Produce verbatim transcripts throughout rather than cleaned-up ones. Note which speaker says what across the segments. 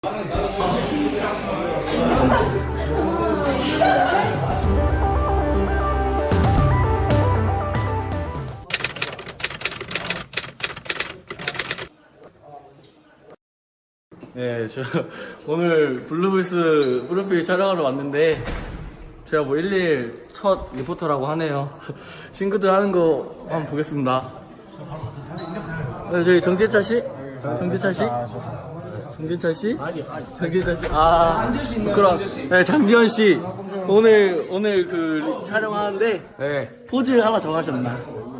Speaker 1: 네, 저 오늘 블루블스 프로필 촬영하러 왔는데 제가 뭐 일일 첫 리포터라고 하네요. 친구들 하는 거 한번 보겠습니다. 네, 저희 정재차 씨? 정재차 씨? 정재차 씨? 정재차 씨? 아, 부끄러워. 네, 장지현 씨. 오늘, 오늘 그 촬영하는데
Speaker 2: 네.
Speaker 1: 포즈 하나 정하셨나?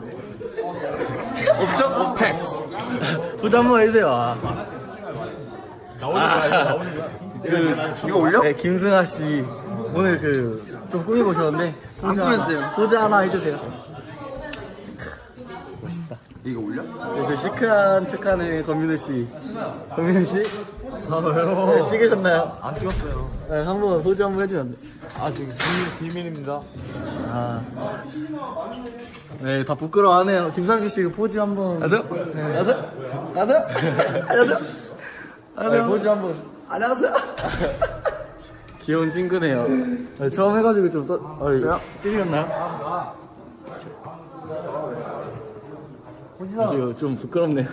Speaker 2: 없죠? 어, 패스.
Speaker 1: 포즈 한번 해주세요. 아.
Speaker 2: 나오는 거야, 나오는 거야. 그, 이거 올려?
Speaker 1: 네, 김승아 씨. 오늘 그, 좀 꾸미고 오셨는데.
Speaker 2: 안 꾸몄어요.
Speaker 1: 포즈 하나 해주세요. 멋있다.
Speaker 2: 이거 올려?
Speaker 1: 네, 저 시크한 척하는 권민우 씨. 권민우 씨?
Speaker 2: 아, 왜요?
Speaker 1: 네, 찍으셨나요?
Speaker 2: 안 찍었어요.
Speaker 1: 네, 한번 포즈 한번 해주면 안 돼.
Speaker 2: 아, 지금 비밀, 비밀입니다.
Speaker 1: 아. 네, 다 부끄러워하네요. 김상주 씨 포즈 한번.
Speaker 2: 안녕하세요?
Speaker 1: 네, 안녕하세요? 안녕하세요? 안녕하세요? 네, 포즈 한번.
Speaker 2: 안녕하세요?
Speaker 1: 귀여운 친구네요. 네, 처음 해가지고 좀 떠, 어, 찍으셨나요? 지금 좀 부끄럽네요.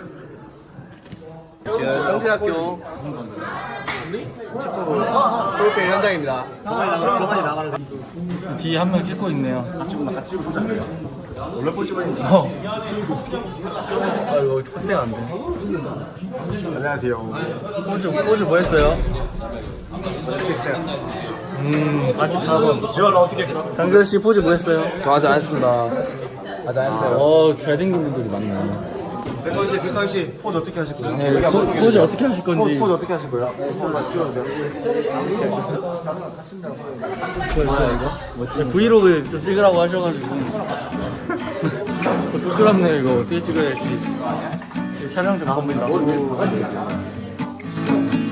Speaker 2: 지금 청진학교 축구부 프로필 현장입니다.
Speaker 1: 뒤에 한 명 찍고 있네요.
Speaker 2: 원래 볼 찍어야 돼.
Speaker 1: 어. 아, 이거 fat대가 안 돼.
Speaker 2: 안녕하세요.
Speaker 1: 포즈, 포즈 뭐 했어요? 음, 사십사 번.
Speaker 2: 지원은 어떻게 했어?
Speaker 1: 장재현 씨 포즈 뭐 했어요?
Speaker 2: 저 아직 안 했습니다. 아직 안 했어요.
Speaker 1: 어, 잘생긴 분들이 많네.
Speaker 2: 백건 씨, 백건 씨, 포즈 어떻게 하실 거예요?
Speaker 1: 네, 포, 포즈 어떻게 하실 건지.
Speaker 2: 포즈 어떻게 하실 거예요? 찍어주세요.
Speaker 1: 그거 뭐야, 이거? 뭐지? 브이로그 좀 찍으라고 하셔가지고. 부끄럽네요, 이거. 어떻게 찍어야 될지. 촬영 좀 겁니다.